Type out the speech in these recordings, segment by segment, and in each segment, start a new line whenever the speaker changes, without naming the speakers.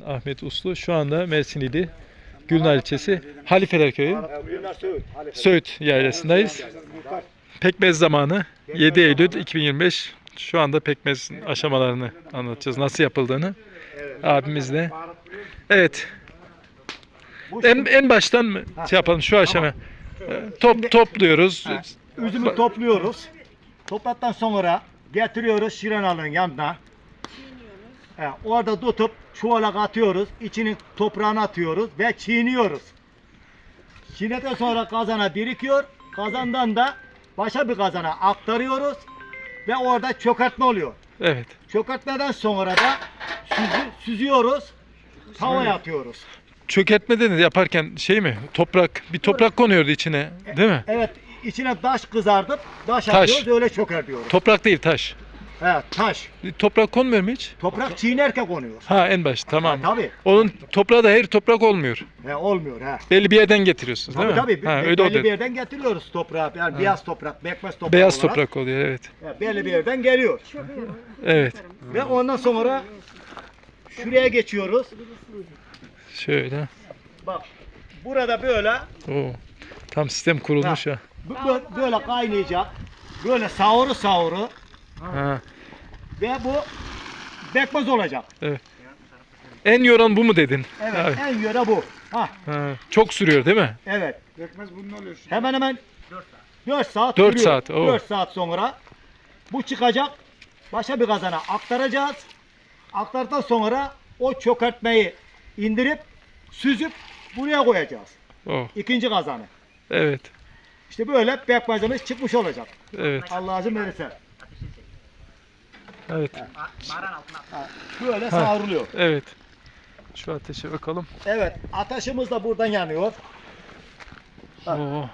Ahmet Uslu. Şu anda Mersinili Gülnar ilçesi Halifeler Köyü Söğüt yaylasındayız. Pekmez zamanı 7 Eylül 2025. Şu anda pekmez aşamalarını anlatacağız. Nasıl yapıldığını abimizle. Evet. En baştan mı şey yapalım şu aşama? Topluyoruz.
Üzümü topluyoruz. Topladıktan sonra getiriyoruz şiranalığın yanına. Orada tutup çuvala atıyoruz. İçinin toprağını atıyoruz ve çiğniyoruz. Çiğnedikten sonra kazana birikiyor. Kazandan da başka bir kazana aktarıyoruz. Ve orada çökertme oluyor.
Evet.
Çökertmeden sonra da süzüyoruz. Tavaya atıyoruz.
Çökertmede de yaparken şey mi? Bir toprak konuyordu içine, değil mi?
Evet, içine taş kızartıp taş
Taş.
atıyoruz, öyle çökertiyoruz.
Toprak değil, taş.
Evet, taş.
Toprak konmuyor mu hiç?
Toprak çiğnerken konuyor.
Ha, en baş, tamam.
Tabii.
Onun toprağı da her toprak olmuyor.
Olmuyor ha.
Belli bir yerden getiriyorsunuz, değil mi?
Tabii.
Ha, öyle
Belli
oluyor.
bir yerden getiriyoruz toprağı. Yani beyaz toprak, bekmez toprak
Beyaz
olarak.
toprak oluyor, evet.
Belli bir yerden geliyor.
Evet.
Ve ondan sonra şuraya geçiyoruz.
Şöyle.
Bak, burada böyle
Oo. Tam sistem kurulmuş ha.
böyle kaynayacak. Böyle savuru
Ha.
ve bu bekmez olacak.
En yoran bu mu dedin?
Evet,
Abi.
en yöre bu. Ha,
Çok sürüyor değil mi?
evet.
Bekmez bunun oluyor şimdi.
Hemen 4 saat
4
sürüyor.
saat, oo.
4 saat sonra bu çıkacak. Başka bir kazana aktaracağız. Aktardıktan sonra o çökertmeyi indirip süzüp buraya koyacağız.
Oh.
İkinci kazanı.
Evet.
İşte böyle pekmezimiz çıkmış olacak.
Evet.
Allah izin verirse.
Evet.
Böyle savruluyor.
Evet. Şu ateşe bakalım.
Evet, ateşimiz de buradan yanıyor.
Oo.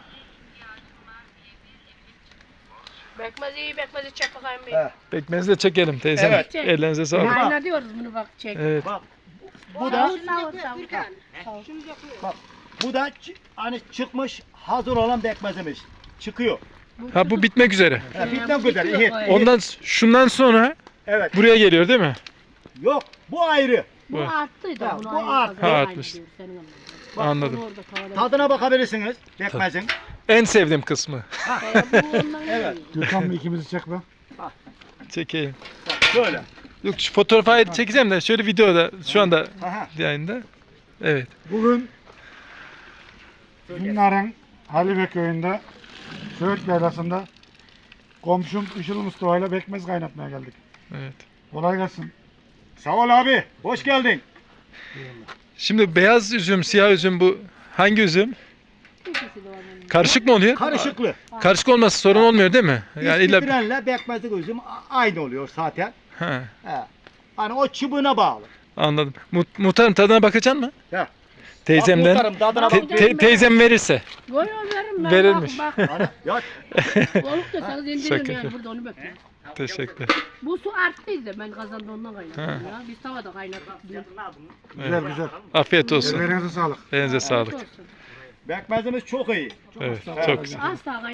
Bekmezi çek bakayım bir.
Evet.
Pekmezi de çekelim teyzem.
Evet.
Ellerinize sağlık.
Ayna diyoruz bunu bak çek.
Evet.
Bak, bu da
Savur.
bu da hani çıkmış hazır olan bekmezimiz. Çıkıyor.
Ha, bu bitmek üzere.
Bitmek üzere. İyi.
Şundan sonra
Evet.
buraya geliyor değil mi?
Yok, bu ayrı.
Bu arttıydı.
Ha,
Bunu
bu
ayrı
arttı.
kazan,
Ha,
aynı
artmış.
diyor, senin anladığın.
Anladım.
Onu orada tavada-
Tadına bakabilirsiniz bekmezin.
En sevdiğim kısmı.
Bu ondan
Evet.
iyi.
Gürkan bir ikimizi çek be.
Çekeyim.
Bak şöyle.
Yok, şu fotoğrafı çekeceğim de şöyle videoda şu anda
Aha.
yayında. Evet.
Bugün Günler'in Halife köyünde Söğüt yaylasında komşum Işıl Mustafa ile bekmez kaynatmaya geldik.
Evet.
Kolay gelsin.
Sağ ol abi. Hoş geldin.
Şimdi beyaz üzüm, siyah üzüm bu hangi üzüm?
İkisi de var bunun.
Karışık mı oluyor?
Karışıklı.
Karışık olması sorun olmuyor değil mi? Yani illa
İstirenle bekmezlik üzüm aynı oluyor zaten.
ha,
He. Hani o çubuğuna bağlı.
anladım. Muhtarım tadına bakacaksın mı?
Ya.
Teyzemden.
Bak, tadına
Te-
bak.
Teyzem verirse.
Goy veririm ben.
Verilmiş.
Bak,
Hani, ya,
Balık da sana indiririm
Şaka.
yani burada onu bekliyorum.
Teşekkür.
Bu su arttıydı ben kazanda ondan kaynattım
Ha.
ya. Biz tavada kaynattık.
Güzel güzel.
Afiyet olsun.
Ellerinize sağlık.
Elinize sağlık.
Olsun.
bekmezimiz çok iyi.
Evet, çok güzel.
Asla